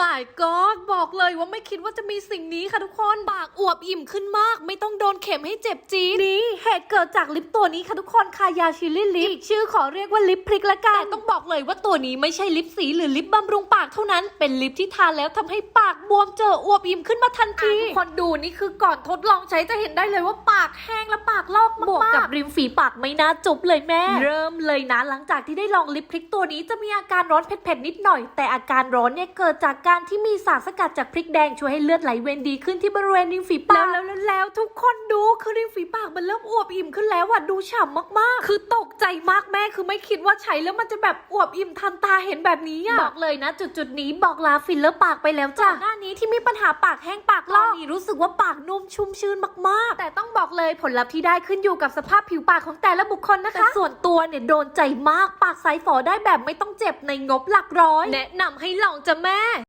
my god บอกเลยว่าไม่คิดว่าจะมีสิ่งนี้ค่ะทุกคนปากอวบอิ่มขึ้นมากไม่ต้องโดนเข็มให้เจ็บจี๊ดนี่เหตุเกิดจากลิปตัวนี้ค่ะทุกคนคายาชิลลี่ลิปอีกชื่อขอเรียกว่าลิปพริกละกันแต่ต้องบอกเลยว่าตัวนี้ไม่ใช่ลิปสีหรือลิปบำรุงปากเท่านั้นเป็นลิปที่ทานแล้วทำให้ปากบวมเจออวบอิ่มขึ้นมาทันทีทุกคนดูนี่คือก่อนทดลองใช้จะเห็นได้เลยว่าปากแห้งและปากลอกมากบวกกับริมฝีปากไม่น่าจุ๊บเลยแม่เริ่มเลยนะหลังจากที่ได้ลองลิปพริกตัวนี้จะมีอาการร้อนเผ็ดๆนิดหน่อยแต่อาการร้อนเนี่ยเกิดจากการที่มีสารสกัดจากพริกแดงช่วยให้เลือดไหลเวียนดีขึ้นที่บริเวณริมฝีปากแล้วทุกคนดูคือริมฝีปากมันเริ่มอวบอิ่มขึ้นแล้วดูฉ่ำมากๆคือตกใจมากแม่คือไม่คิดว่าใช้แล้วมันจะแบบอวบอิ่มทันตาเห็นแบบนี้บอกเลยนะจุดนี้บอกลาฟิลเลอร์ปากไปแล้วจ้ะหน้านี้ที่มีปัญหาปากแห้งปากลอกนี่รู้สึกว่าปากนุ่มชุ่มชื้นมากๆแต่ต้องบอกเลยผลลัพธ์ที่ได้ขึ้นอยู่กับสภาพผิวปากของแต่ละบุคคลนะคะแต่ส่วนตัวเนี่ยโดนใจมากปากใสฝอได้แบบไม่ต้องเจ็บในงบหลักร้อยแนะนำให้ลองจ้ะแม่